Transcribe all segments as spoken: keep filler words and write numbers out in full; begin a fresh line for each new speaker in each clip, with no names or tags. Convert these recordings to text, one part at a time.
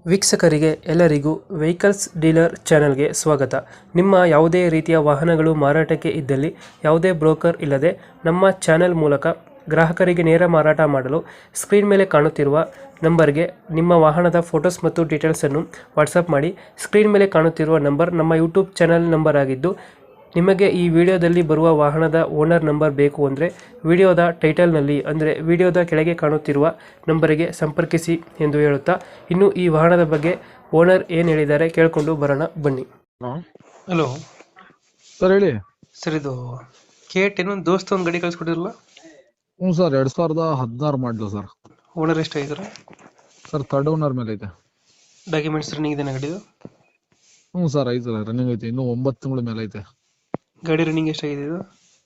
ವೀಕ್ಷಕರಿಗೆ ಎಲ್ಲರಿಗೂ vehicles dealer ಚಾನೆಲ್ಗೆ ಸ್ವಾಗತ. ನಿಮ್ಮ ಯಾವುದೇ ರೀತಿಯ ವಾಹನಗಳು ಮಾರಾಟಕ್ಕೆ ಇದ್ದಲ್ಲಿ ಯಾವುದೇ ಬ್ರೋಕರ್ ಇಲ್ಲದೆ ನಮ್ಮ ಚಾನೆಲ್ ಮೂಲಕ ಗ್ರಾಹಕರಿಗೆ ನೇರ ಮಾರಾಟ ಮಾಡಲು ಸ್ಕ್ರೀನ್ ಮೇಲೆ ಕಾಣುತ್ತಿರುವ ನಂಬರ್ಗೆ ನಿಮ್ಮ ವಾಹನದ ಫೋಟೋಸ್ ಮತ್ತು ಡೀಟೇಲ್ಸನ್ನು ವಾಟ್ಸಪ್ ಮಾಡಿ. ಸ್ಕ್ರೀನ್ ಮೇಲೆ ಕಾಣುತ್ತಿರುವ ನಂಬರ್ ನಮ್ಮ ಯೂಟ್ಯೂಬ್ ಚಾನೆಲ್ ನಂಬರ್ ಆಗಿದ್ದು, ನಿಮಗೆ ಈ ವಿಡಿಯೋದಲ್ಲಿ ಬರುವ ವಾಹನದ ಓನರ್ ನಂಬರ್ ಬೇಕು ಅಂದರೆ ವಿಡಿಯೋದ ಟೈಟಲ್ನಲ್ಲಿ ಅಂದರೆ ವಿಡಿಯೋದ ಕೆಳಗೆ ಕಾಣುತ್ತಿರುವ ನಂಬರಿಗೆ ಸಂಪರ್ಕಿಸಿ ಎಂದು ಹೇಳುತ್ತಾ, ಇನ್ನು ಈ ವಾಹನದ ಬಗ್ಗೆ ಓನರ್ ಏನು ಹೇಳಿದ್ದಾರೆ ಕೇಳಿಕೊಂಡು ಬರೋಣ ಬನ್ನಿ.
ಹಲೋ
ಹಲೋ
ಸರ್, ಹೇಳಿ.
ಸರ್, ಇದು ಕೆ ಟೆನ್ ಒಂದು ದೋಸ್ತ ಒಂದು ಗಾಡಿ ಕಳಿಸ್ಕೊಟ್ಟಿರಲ್ಲ?
ಹ್ಞೂ ಸರ್, ಎರಡ್ ಸಾವಿರದ ಹದಿನಾರು ಮಾಡಲು ಸರ್.
ಓನರ್ ಎಷ್ಟಾಗಿದ್ದಾರೆ?
ಸರ್, ಥರ್ಡ್ ಓನರ್ ಮೇಲೆ ಐತೆ.
ಡಾಕ್ಯುಮೆಂಟ್ಸ್ ರನ್ನಿಂಗ್ ಇದೆ ಗಾಡಿದು?
ಹ್ಞೂ ಸರ್, ಐತೆ ರನ್ನಿಂಗ್ ಐತೆ, ಇನ್ನೂ ಒಂಬತ್ತು ತಿಂಗಳ ಮೇಲೆ ಐತೆ.
ಗಾಡಿ ರನ್ನಿಂಗ್ ಎಷ್ಟಾಗಿದೆ ಇದು?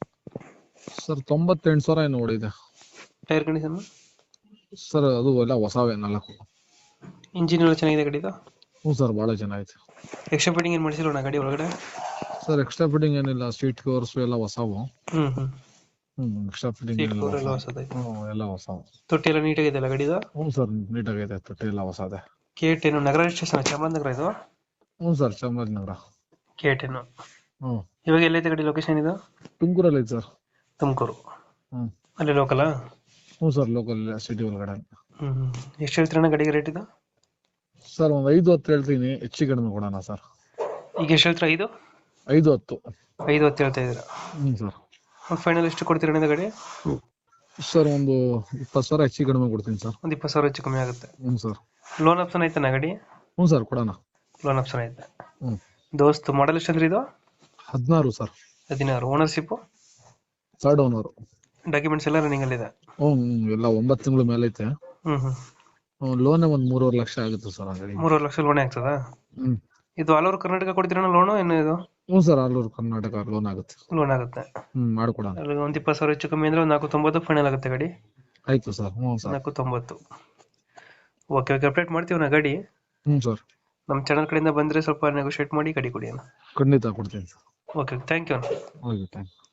ಸರ್, ತೊಂಬತ್ತೆಂಟು ಸಾವಿರ ಏನು ಓಡಿದೆ.
Tyre condition?
ಸರ್, ಅದು ಎಲ್ಲ ಹೊಸವೇ ನಾಲ್ಕು.
ಇಂಜಿನ್ ಎಲ್ಲ ಚೆನ್ನಾಗಿದೆ ಗಾಡಿದು?
ಹ್ಞೂ ಸರ್, ಭಾಳ ಚೆನ್ನಾಗೈತೆ.
ಎಕ್ಸ್ಟ್ರಾ ಫಿಟ್ಟಿಂಗ್ ಏನು ಮಾಡಿಸಿಲ್ಲ ಗಾಡಿ ಒಳಗಡೆ?
ಸರ್, ಎಕ್ಸ್ಟ್ರಾ ಫಿಟ್ಟಿಂಗ್ ಏನಿಲ್ಲ, ಸೀಟ್ ಕವರ್ಸ್ ಎಲ್ಲ ಹೊಸವು.
ಹ್ಮ್ ಹ್ಮ್
ಹ್ಮ್ ಎಕ್ಸ್ಟ್ರಾ ಫಿಟ್ಟಿಂಗ್
ಸೀಟ್
ಏನಿಲ್ಲ.
ಕವರ್ ಎಲ್ಲ ಹೊಸದೈತೆ.
ಹ್ಞೂ ಎಲ್ಲ ಹೊಸವು.
ತೊಟ್ಟಿ ಎಲ್ಲ ನೀಟಾಗಿದೆ ಅಲ್ಲ ಗಾಡಿದು?
ಹ್ಞೂ ಸರ್, ನೀಟಾಗೈತೆ, ತೊಟ್ಟಿ ಎಲ್ಲ ಹೊಸದೆ.
ಕೆ ಟೆನ್ ನಗರ ಸ್ಟೇಷನ್ ಚಾಮರಾಜನಗರ ಇದು?
ಹ್ಞೂ ಸರ್, ಚಾಮರಾಜನಗರ.
ಕೆ ಟೆನ್
ಹ್ಞೂ.
ಇವಾಗ ಎಲ್ಲೈತೆ ಗಾಡಿ ಲೊಕೇಶನ್ ಇದು?
ತುಮಕೂರಲ್ಲಿ ಐತೆ ಸರ್.
ತುಮಕೂರು?
ಹ್ಞೂ.
ಅಲ್ಲಿ ಲೋಕಲಾ?
ಹ್ಞೂ ಸರ್, ಲೋಕಲ್ ಸಿಟಿ ಒಳಗಡೆ.
ಹ್ಮ್ ಹ್ಮ್ ಎಷ್ಟು ಹೇಳ್ತೀರಣ್ಣ ಗಾಡಿಗೆ ರೇಟ್ ಇದು?
ಸರ್, ಒಂದು ಐದು ಹತ್ತು ಹೇಳ್ತೀನಿ, ಹೆಚ್ಚಿಗೆ ಕಡಿಮೆ ಕೊಡೋಣ ಸರ್.
ಈಗ ಎಷ್ಟು ಹೇಳ್ತೀರಾ? ಐದು
ಐದು ಹತ್ತು
ಐದು ಹತ್ತು ಹೇಳ್ತಾ ಇದ್ದೀರಾ?
ಹ್ಞೂ ಸರ್.
ಫೈನಲ್ ಎಷ್ಟು ಕೊಡ್ತೀರಣ್ಣ ಗಾಡಿ?
ಸರ್, ಒಂದು ಇಪ್ಪತ್ತು ಸಾವಿರ ಹೆಚ್ಚಿಗೆ ಕಡಿಮೆ ಕೊಡ್ತೀನಿ ಸರ್.
ಒಂದು ಇಪ್ಪತ್ತು ಸಾವಿರ ಹೆಚ್ಚು ಕಮ್ಮಿ ಆಗುತ್ತೆ.
ಹ್ಞೂ ಸರ್.
ಲೋನ್ ಆಪ್ಷನ್ ಐತಣ್ಣ ಗಾಡಿ?
ಹ್ಞೂ ಸರ್, ಕೊಡೋಣ.
ಲೋನ್ ಆಪ್ಷನ್ ಐತೆ.
ಹ್ಞೂ.
ದೋಸ್ತ್ ಮಾಡಲ್ ಎಷ್ಟು ಅಂದ್ರೆ ಇದು?
ಹದಿನಾರು ಸರ್.
ಹದಿನಾರು. ಓನರ್ಶಿಪ್?
Third owner.
ಡಾಕ್ಯುಮೆಂಟ್ಸ್ ಎಲ್ಲ ರನ್ನಿಂಗ್ ಅಲ್ಲಿ ಇದೆ?
ಹ್ಞೂ ಎಲ್ಲ ಒಂಬತ್ತು ತಿಂಗಳ ಮೇಲೆ ಐತೆ.
ಹ್ಮ್ ಹ್ಮ್
ಲೋನೇ ಒಂದು ಮೂರುವರೆ ಲಕ್ಷ ಆಗುತ್ತೆ ಸರ್ ಆ ಗಾಡಿ.
ಮೂರುವರೆ ಲಕ್ಷ ಲೋನ್ ಆಗ್ತದಾ?
ಹ್ಞೂ.
ಇದು ಆಲ್ ಓವರ್ ಕರ್ನಾಟಕ ಕೊಡ್ತೀರಣ್ಣ ಲೋನು ಏನು ಇದು?
ಹ್ಞೂ sir, all over Karnataka loan ಆಗುತ್ತೆ.
ಲೋನ್ ಆಗುತ್ತೆ.
ಹ್ಞೂ, ಮಾಡ್ಕೊಡೋಣ.
ಅಲ್ಲಿ ಒಂದು ಇಪ್ಪತ್ತು ಸಾವಿರ ಹೆಚ್ಚು ಕಮ್ಮಿ ಅಂದ್ರೆ ಒಂದು ನಾಲ್ಕು ತೊಂಬತ್ತು ಫೈನಲ್ ಆಗುತ್ತೆ ಗಾಡಿ?
ಆಯ್ತು ಸರ್. ಹ್ಞೂ ಸರ್.
ನಾಲ್ಕು ತೊಂಬತ್ತು. ಓಕೆ ಓಕೆ, ಅಪ್ಡೇಟ್ ಮಾಡ್ತೀವಿ ನಾ ಗಾಡಿ.
ಹ್ಞೂ ಸರ್.
ನಮ್ಮ ಚಾನಲ್ ಕಡೆಯಿಂದ ಬಂದರೆ ಸ್ವಲ್ಪ ನೆಗೋಷಿಯೇಟ್ ಮಾಡಿ ಗಾಡಿ ಕೊಡಿ ಅಣ್ಣ.
ಖಂಡಿತ ಕೊಡ್ತೀನಿ ಸರ್.
ಓಕೆ, ಥ್ಯಾಂಕ್ ಯು ಅಣ್ಣ.
Okay, thank you.